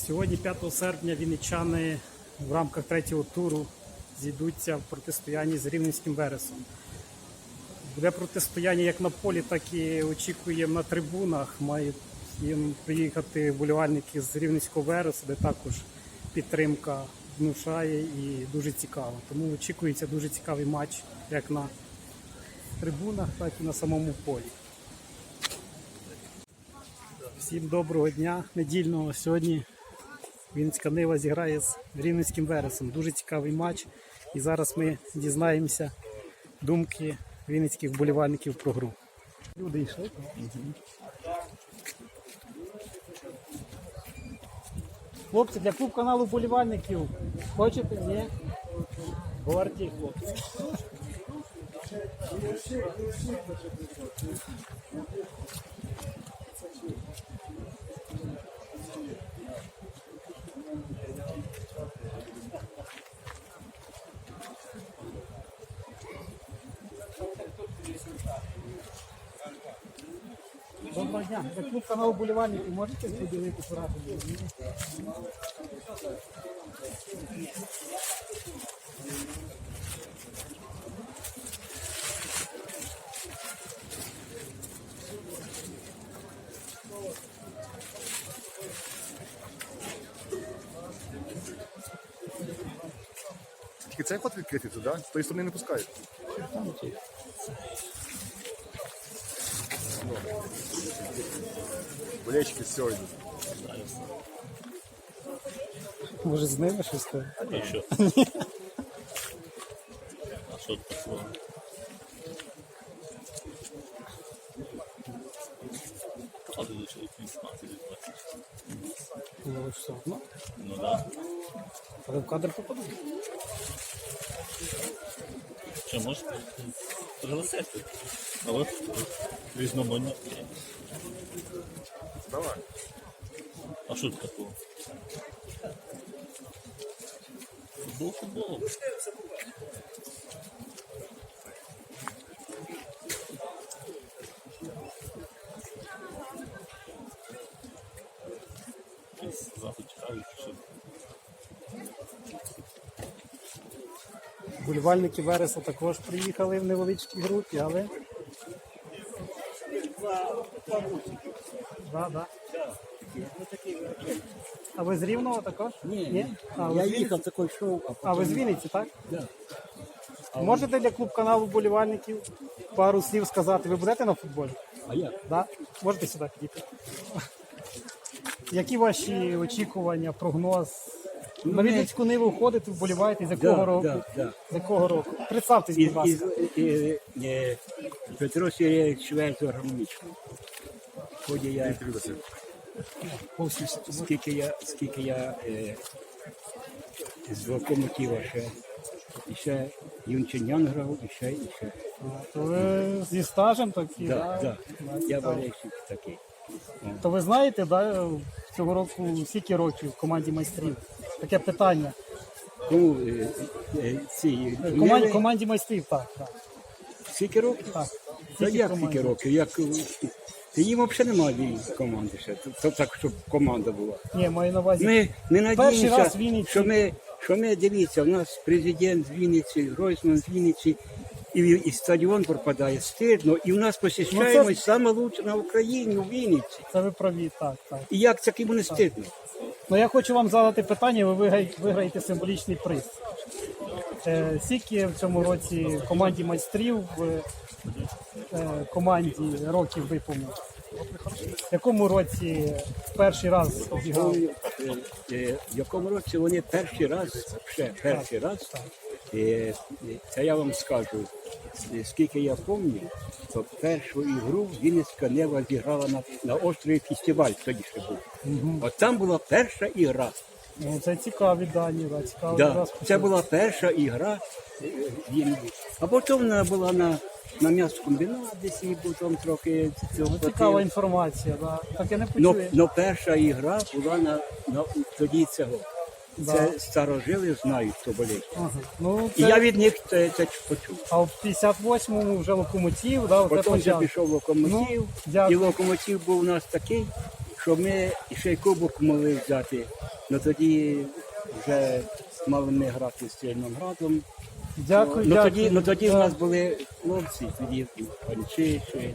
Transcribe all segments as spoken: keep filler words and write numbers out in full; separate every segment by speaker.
Speaker 1: Сьогодні, п'ятого серпня, вінничани в рамках третього туру зійдуться в протистоянні з Рівненським Вересом. Буде протистояння як на полі, так і очікуємо на трибунах. Мають їм приїхати вболівальники з Рівненського Вересу, де також підтримка внушає і дуже цікаво. Тому очікується дуже цікавий матч як на трибунах, так і на самому полі. Всім доброго дня недільного. Сьогодні Вінницька Нива зіграє з Рівненським Вересом. Дуже цікавий матч. І зараз ми дізнаємося думки вінницьких вболівальників про гру. Люди йшли. Хлопці, для клуб каналу вболівальників хочете? Ні? Говоріть, хлопці. Доброго дня. За клуб каналу вболівальників можете поділити враження?
Speaker 2: Тільки цей ход відкритий туди, з тої сторони не пускають. Болельщики з цього йдуть.
Speaker 1: Може з ними щось там?
Speaker 3: І що? А що такого? А ти лише вісімнадцять двадцять.
Speaker 1: Ну все одно.
Speaker 3: Ну так.
Speaker 1: Але в кадр попадуть.
Speaker 3: Що, можеш пригласити? А от різноманітні.
Speaker 2: Давай.
Speaker 3: А що тут такого? Футбол футболом. Якийсь захід цікавий, що
Speaker 1: Вболівальники Вереса також приїхали в невеличкій групі, але... Да, да. А ви з Рівного також?
Speaker 4: Ні,
Speaker 1: А, ви
Speaker 4: я
Speaker 1: з Вінниці?
Speaker 4: їхав такий шоу, а
Speaker 1: А ви з Вінниці, так?
Speaker 4: Да.
Speaker 1: Можете для клуб каналу вболівальників пару слів сказати? Ви будете на футболі?
Speaker 4: А як?
Speaker 1: Да? Можете сюди підійти? Які ваші очікування, прогноз? На Вінницьку Ниву ходите, вболіваєте, з якого
Speaker 4: Да,
Speaker 1: року?
Speaker 4: да, да.
Speaker 1: З якого року? Представтесь,
Speaker 4: Із,
Speaker 1: будь ласка.
Speaker 4: із, із, е, Петро Сергійович Швець гармонічно. Ході я, скільки я, скільки я е, з локомотива ще, і ще Юнчинян грав, і ще, і ще.
Speaker 1: То ви зі стажем такі,
Speaker 4: Да,
Speaker 1: да?
Speaker 4: да. Я болельщик такий.
Speaker 1: То ви знаєте, да, цього року скільки років в команді майстрів? Таке питання.
Speaker 4: Кому е, е, ці
Speaker 1: Команді,
Speaker 4: Ниви,
Speaker 1: команді майстрів, так. так.
Speaker 4: скільки років?
Speaker 1: так.
Speaker 4: Та
Speaker 1: Скільки
Speaker 4: як
Speaker 1: команді?
Speaker 4: скільки років? Як, та їм взагалі немає команди ще, то, так, щоб команда була.
Speaker 1: Ні, маю на увазі.
Speaker 4: Ми, ми
Speaker 1: Перший раз
Speaker 4: надіємося,
Speaker 1: в Вінниці.
Speaker 4: що ми, що ми, дивіться, у нас президент з Вінниці, Гройсман з Вінниці, і, і стадіон пропадає стидно, і у нас посіщаємось
Speaker 1: Ну, це-
Speaker 4: саме лучше на Україні, у Вінниці.
Speaker 1: Це ви праві, так, так.
Speaker 4: І як це йому не стидно?
Speaker 1: Ну я хочу вам задати питання, ви виграєте, виграєте символічний приз. Е, скільки в цьому році в команді майстрів, в е, команді років виповнив? В якому році перший раз зіграв?
Speaker 4: Е, е, В якому році вони перший раз, ще перший раз, е, е, це я вам скажу, е, скільки я пам'ятаю, то першу ігру Вінницька Нива зіграла на, на острові Фестиваль, тоді ще був. От там була перша ігра.
Speaker 1: Ну, це цікаві дані, да, цікавий
Speaker 4: Да,
Speaker 1: раз.
Speaker 4: це була перша ігра е, Вінниці. А потім вона була на, на м'ясокомбінат, десь і потім трохи цього.
Speaker 1: Ну, цікава
Speaker 4: хватило.
Speaker 1: інформація, да. Так я не
Speaker 4: Но,
Speaker 1: почув.
Speaker 4: но перша ігра була на, на тоді цього.
Speaker 1: Да.
Speaker 4: Це старожили знають, хто болить.
Speaker 1: Ага. Ну,
Speaker 4: І
Speaker 1: це...
Speaker 4: я від них це, це почув.
Speaker 1: А в п'ятдесят восьмому вже локомотив, да, оце
Speaker 4: Потім вже
Speaker 1: почав.
Speaker 4: пішов локомотив,
Speaker 1: Ну, дякую.
Speaker 4: і локомотив був у нас такий, що щоб ми ще й кубок могли взяти, ну тоді вже мали ми грати з Чорноградом.
Speaker 1: Дякую,
Speaker 4: Ну
Speaker 1: дякую.
Speaker 4: тоді, ну тоді в нас були хлопці, тоді Панчишин,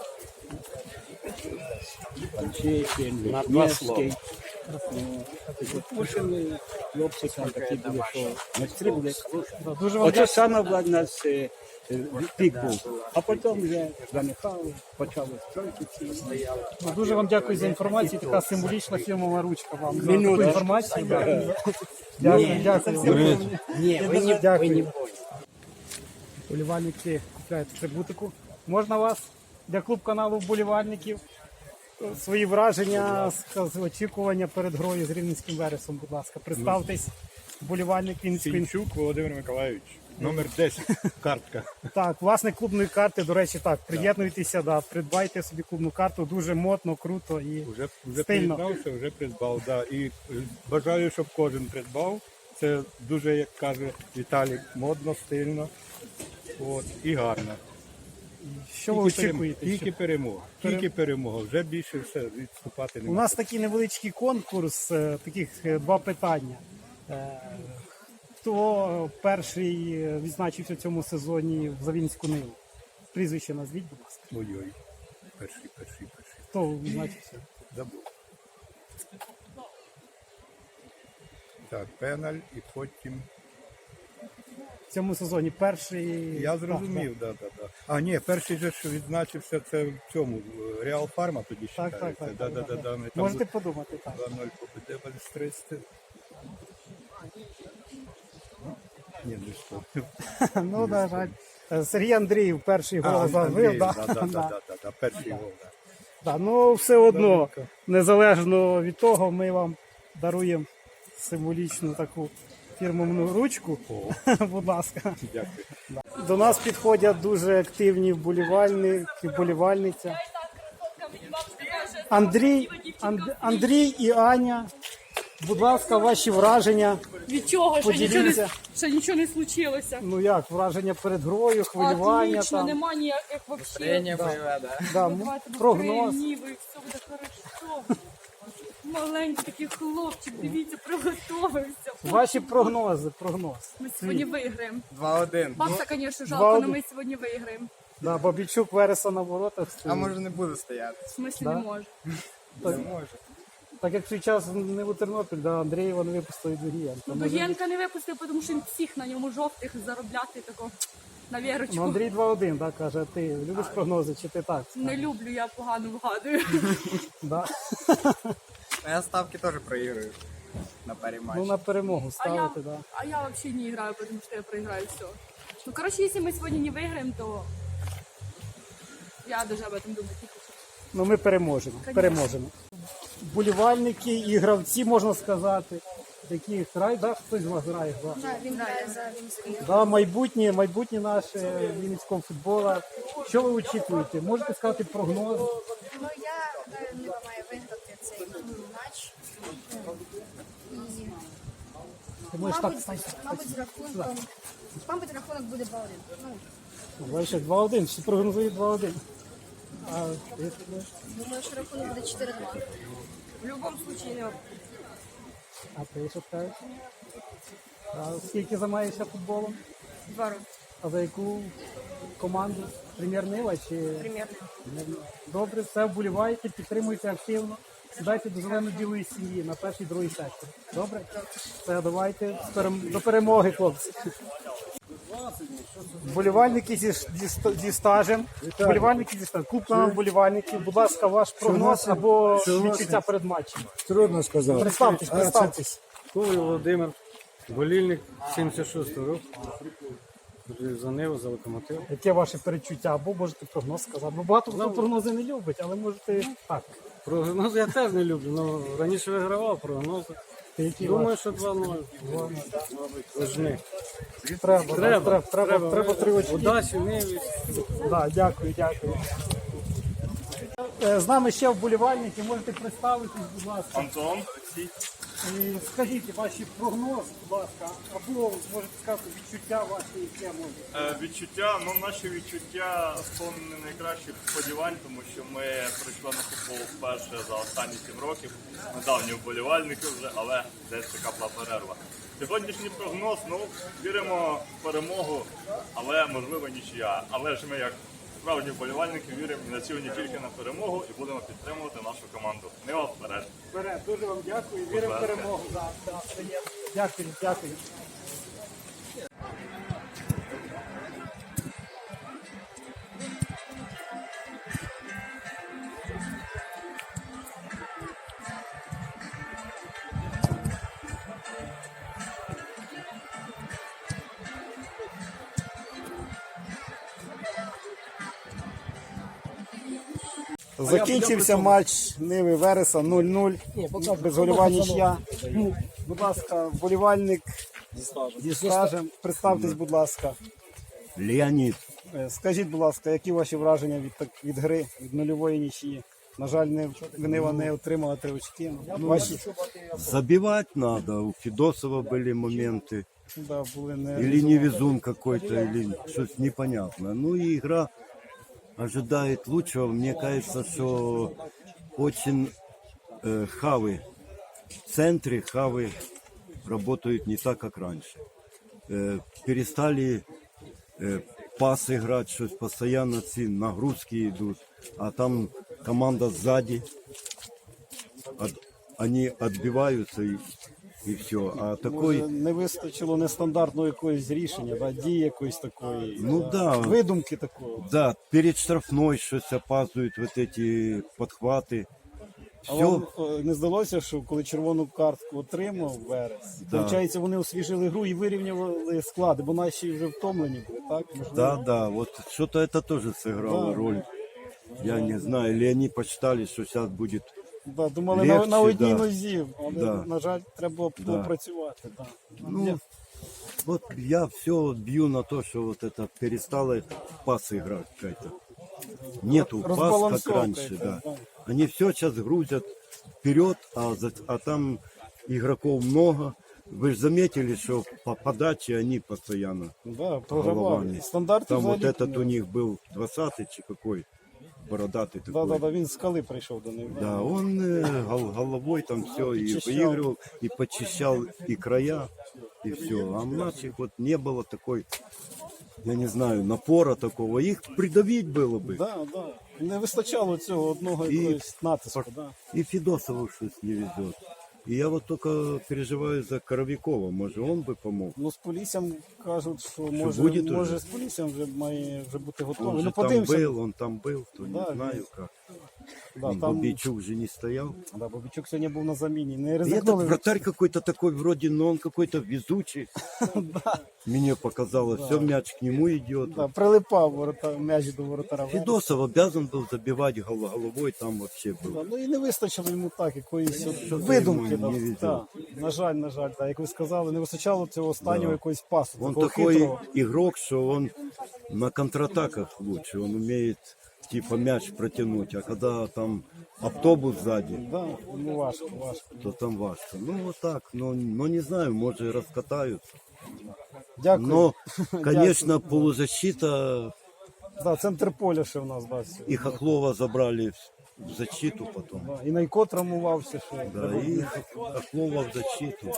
Speaker 4: Панчишин, Вишневський. Тому що ми хлопці там такі були, що майстри були.
Speaker 1: Дуже вам
Speaker 4: Оце саме в нас е, е, пік був. А потім вже занехали, почали строїти ці.
Speaker 1: Ну, дуже вам дякую за інформацію. Така символічна фірмова ручка вам за
Speaker 4: Минуту.
Speaker 1: таку інформацію. Дякую, дякую. дякую.
Speaker 4: Ні, ви не
Speaker 1: Дякую. Вболівальники купляють атрибутику. Можна вас для клуб каналу вболівальників свої враження, сказ- очікування перед грою з Рівненським Вересом, будь ласка. Представтесь, вболівальник Вінницької.
Speaker 5: Сінчук Володимир Миколаївич, номер десять, картка.
Speaker 1: Так, власне, клубної карти, до речі, так, приєднуйтеся, да, придбайте собі клубну карту, дуже модно, круто і
Speaker 5: Вже, вже
Speaker 1: стильно.
Speaker 5: приєднався, вже придбав. Да. І е, бажаю, щоб кожен придбав. Це дуже, як каже Віталій, модно, стильно от, і гарно.
Speaker 1: Що ви
Speaker 5: Тільки перем-
Speaker 1: очікуєте?
Speaker 5: Тільки
Speaker 1: Що-
Speaker 5: перемога. Тільки перемога. Вже більше все відступати
Speaker 1: У
Speaker 5: немає.
Speaker 1: нас такий невеличкий конкурс, е, таких е, два питання. Е, Хто перший е, відзначився в цьому сезоні в Завінську Ниву? Прізвище назвіть, будь ласка.
Speaker 5: Ой-ой. Перший, перший, перший.
Speaker 1: Хто відзначився?
Speaker 5: Забув. Так, пеналь і потім.
Speaker 1: В цьому сезоні перший.
Speaker 5: Я
Speaker 1: Так,
Speaker 5: зрозумів, да, да, да. А ні, перший же ж відзначився це в цьому в Реал Фарма тоді
Speaker 1: Так,
Speaker 5: ще.
Speaker 1: так, так,
Speaker 5: Да,
Speaker 1: так,
Speaker 5: да,
Speaker 1: так,
Speaker 5: да,
Speaker 1: так.
Speaker 5: да. Ми там
Speaker 1: Можете подумати, так.
Speaker 5: два ноль победе Бальстристи. Ні, не що.
Speaker 1: Ну, на жаль. Е, Сергій Андріїв перший гол
Speaker 5: А,
Speaker 1: забив.
Speaker 5: Андрій,
Speaker 1: Да,
Speaker 5: да, да,
Speaker 1: да.
Speaker 5: да, да, да, перший гол, да.
Speaker 1: Да, ну, все одно,
Speaker 5: Добренько.
Speaker 1: незалежно від того, ми вам даруємо символічну таку фірмовну ручку. Будь ласка.
Speaker 5: Дякую.
Speaker 1: До нас підходять дуже активні вболівальники, вболівальниця. Андрій, Анд- Андрій і Аня. Будь ласка, ваші враження.
Speaker 6: Від чого? Ще нічого, не,
Speaker 1: Поділіться.
Speaker 6: ще нічого не случилося.
Speaker 1: Ну як, враження перед грою, хвилювання
Speaker 6: Отлично,
Speaker 1: там.
Speaker 6: нема ніяких вообще.
Speaker 1: Да, м-
Speaker 6: Давайте ми
Speaker 1: прогноз.
Speaker 6: ніби, все буде хорошо. Маленький такий хлопчик, дивіться, приготовився.
Speaker 1: Ваші прогнози, прогноз.
Speaker 6: Ми сьогодні виграємо.
Speaker 7: два один.
Speaker 6: Папа, звісно, жалко,
Speaker 1: Два
Speaker 6: але
Speaker 1: один.
Speaker 6: ми сьогодні виграємо.
Speaker 1: Да, Бабічук Вереса на воротах
Speaker 7: А
Speaker 1: стоїть.
Speaker 7: може не буду стояти?
Speaker 6: В смислі
Speaker 1: Да?
Speaker 6: не може.
Speaker 1: Так,
Speaker 7: Не може.
Speaker 1: так як в свій час не у Тернопіль, да, Андрієва не випустили Дугієнка.
Speaker 6: Ну, Дугенка не випустив, тому що він всіх на ньому жовтих заробляти тако на вірочку.
Speaker 1: Ну, Андрій два один, да, каже, ти любиш прогнози, чи ти так?
Speaker 6: Не люблю, я погано вгадую.
Speaker 1: Да.
Speaker 7: А я ставки теж проіграю на парі
Speaker 1: Ну,
Speaker 7: матчі.
Speaker 1: на перемогу
Speaker 6: А я,
Speaker 1: ставити, да.
Speaker 6: а я вообще не играю, потому что я проиграю все. Ну, короче, если мы сегодня не выиграем, то я даже об этом думать не хочу.
Speaker 1: Ну, ми переможемо, переможемо. Вболівальники і гравці, можна сказати, які грають, да, хтось з вас грає, да.
Speaker 8: Він грає за Вінницький.
Speaker 1: Да, майбутнє, майбутнє наше вінницького футболу. Що ви очікуєте? Можете сказати прогноз?
Speaker 8: Ну я гадаю, Нива має виграти цей матч. І,
Speaker 1: Ти можеш так,
Speaker 8: мабуть,
Speaker 1: стань,
Speaker 8: мабуть, з рахунком. Мабуть, рахунок буде два один. Ну,
Speaker 1: бачиш, два один, всі прогнозують два один. А,
Speaker 8: думаю, що рахунок буде чотири два.
Speaker 6: В любом случае, не
Speaker 1: а ти що скажеш? А скільки займаєшся футболом?
Speaker 6: два роки.
Speaker 1: А за яку команду? Прем'єр-Нива чи?
Speaker 6: Примерно.
Speaker 1: Добре, все, вболівайте, підтримуйте активно. Сідайте до зелено-білої сім'ї на перший, другий сектор. Добре? Все, давайте з перем- до перемоги, хлопці. Вболівальники зі, зі, ст- зі стажем. Вболівальники зі стажем. Клуб на вболівальників. Будь ласка, ваш прогноз або відчуття перед матчем.
Speaker 9: Трудно сказати.
Speaker 1: Представтесь, представтесь.
Speaker 9: Коваль Володимир, болільник сімдесят шостого року. За Ниву, за Локомотив.
Speaker 1: Яке ваше передчуття? Або можете прогноз сказати. Бо багато хто прогнози не любить, але можете так.
Speaker 9: Прогнози я теж не люблю, але раніше вигравав прогнози.
Speaker 1: Які
Speaker 9: Думаю,
Speaker 1: ваші?
Speaker 9: що два нуль. Должны.
Speaker 1: Треба, треба, треба, треба, треба три очки.
Speaker 9: Удачі, Ниві.
Speaker 1: Да, дякую, дякую. Е, З нами ще вболівальники, можете представитись, будь ласка.
Speaker 3: Антон,
Speaker 1: І скажіть ваші прогноз, будь ласка, або можете сказати відчуття ваші, яке може.
Speaker 10: Е, Відчуття, ну наші відчуття сповнені найкращих сподівань, тому що ми прийшли на футбол вперше за останні сім років. Недавні вболівальники вже, але десь така була перерва. Сьогоднішній прогноз, ну віримо в перемогу, але можливо нічия. Але ж ми як справжні вболівальники віримо і націлені тільки на перемогу і будемо підтримувати нашу команду. Нива вперед!
Speaker 1: Вперед, дуже вам дякую, віримо в перемогу. Да, да, приємно. Дякую, дякую. Закінчився матч Ниви Вереса нуль нуль. Безгольова нічия. Будь ласка, вболівальник зі стажем. Представтесь, будь ласка.
Speaker 4: Леонід.
Speaker 1: Е, Скажіть, будь ласка, які ваші враження від, так- від гри, від нульової нічиї? На жаль, не, Нива не отримала три очки. Ваші
Speaker 11: Забивать надо. У Федосова были моменты.
Speaker 1: да, були не...
Speaker 11: Или невезун какой-то, или что-то непонятно. Ну и игра ожидает лучшего. Мне кажется, что очень э, хавы в центре, хавы работают не так, как раньше. Э, перестали э, пас играть, что постоянно ці нагрузки идут. А там команда сзади. От, они отбиваются и, и все. А такой...
Speaker 1: Може, не вистачило нестандартного якогось рішення, да, дії якоїсь такої,
Speaker 11: Ну
Speaker 1: да,
Speaker 11: да.
Speaker 1: видумки такого.
Speaker 11: Да, перед штрафной щось опаздывают вот эти подхваты.
Speaker 1: А
Speaker 11: Все,
Speaker 1: вам е, не здалося, що коли червону картку отримав Верес,
Speaker 11: Да.
Speaker 1: виходить, вони освіжили гру і вирівняли склади, бо наші вже втомлені були, так? Можливо?
Speaker 11: да, да, вот что-то это тоже сыграло
Speaker 1: Да.
Speaker 11: роль. Я не знаю, или они посчитали, что сейчас будет.
Speaker 1: Да, думали на,
Speaker 11: Легче,
Speaker 1: на одній
Speaker 11: да.
Speaker 1: нозі, але,
Speaker 11: Да.
Speaker 1: на жаль, треба було
Speaker 11: Да.
Speaker 1: працювати. Да.
Speaker 11: Ну, вот я все бью на то, что вот это перестало пас играть какая-то. Нету пас, как
Speaker 1: Разбалансовка
Speaker 11: раньше,
Speaker 1: это,
Speaker 11: да.
Speaker 1: да.
Speaker 11: Они все сейчас грузят вперед, а, за- а там игроков много. Вы же заметили, что по подаче они постоянно
Speaker 1: Да, програвали.
Speaker 11: головами.
Speaker 1: Стандарти
Speaker 11: Там вот
Speaker 1: взагалі
Speaker 11: этот у них был двадцатый чи какой, бородатый
Speaker 1: Да,
Speaker 11: такой.
Speaker 1: да, да, він з скали прийшов до них.
Speaker 11: Да, он э, гол- головой там все и
Speaker 1: Почищал.
Speaker 11: выигрывал, и почищал и края, и все. А у наших вот не было такой, я не знаю, напора такого. Их придавить было бы.
Speaker 1: Да, да. Не вистачало цього одного
Speaker 11: І-
Speaker 1: якогось натиску. Да.
Speaker 11: И Федосову что-то не везет. И я вот только переживаю за Коровикова. Может, он бы помог.
Speaker 1: Ну, з Поліссям кажуть, що може,
Speaker 11: буде уже?
Speaker 1: може з Поліссям вже має вже бути готовий.
Speaker 11: Он
Speaker 1: Ну,
Speaker 11: же там
Speaker 1: подивимося.
Speaker 11: был, он там был, то
Speaker 1: Да,
Speaker 11: не знаю как.
Speaker 1: Да,
Speaker 11: И
Speaker 1: там,
Speaker 11: Бобичук же не стоял.
Speaker 1: да, Бобичук сьогодні був на заміні. Не
Speaker 11: И этот
Speaker 1: ризикнули.
Speaker 11: вратарь какой-то такой, вроде, но он какой-то везучий. Мне показалось, все, мяч к нему идет.
Speaker 1: Да, прилипав ворота, м'яч до воротара.
Speaker 11: Федосов обязан был забивать гол- головой, там вообще
Speaker 1: Да,
Speaker 11: был.
Speaker 1: ну і не вистачило йому так, якоїсь от
Speaker 11: Що-то
Speaker 1: видумки.
Speaker 11: йому
Speaker 1: Да,
Speaker 11: не везет.
Speaker 1: да. На жаль, на жаль, так, як ви сказали, не вистачало цього останнього
Speaker 11: Да.
Speaker 1: якогось пасу.
Speaker 11: Он
Speaker 1: такого
Speaker 11: такой
Speaker 1: хитрого.
Speaker 11: игрок, что он на контратаках лучше. Он умеет типа мяч протянуть, а когда там автобус сзади,
Speaker 1: Да, ну важко, важко.
Speaker 11: то там важко. Ну вот так, но, но не знаю, может и раскатаются.
Speaker 1: Дякую.
Speaker 11: Но, конечно, полузащита
Speaker 1: Да, центр поля ще в нас, да, сьогодні.
Speaker 11: и Хохлова забрали в- в защиту потом.
Speaker 1: Да, і Найко травмувався ще.
Speaker 11: Да, и Хохлова в защиту.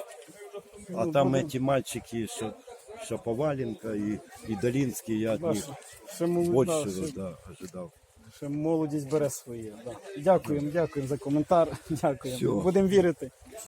Speaker 11: А
Speaker 1: Ну,
Speaker 11: там
Speaker 1: будем-
Speaker 11: эти мальчики, Ша- Шаповаленко и, и Долинский, я от
Speaker 1: Да,
Speaker 11: них
Speaker 1: ще, ще, мол- да,
Speaker 11: большего
Speaker 1: ще,
Speaker 11: да, ожидал.
Speaker 1: ще молодість бере своє. Да. Дякуємо, дякуємо за коментар. Дякуємо.
Speaker 11: Всього.
Speaker 1: Будемо вірити.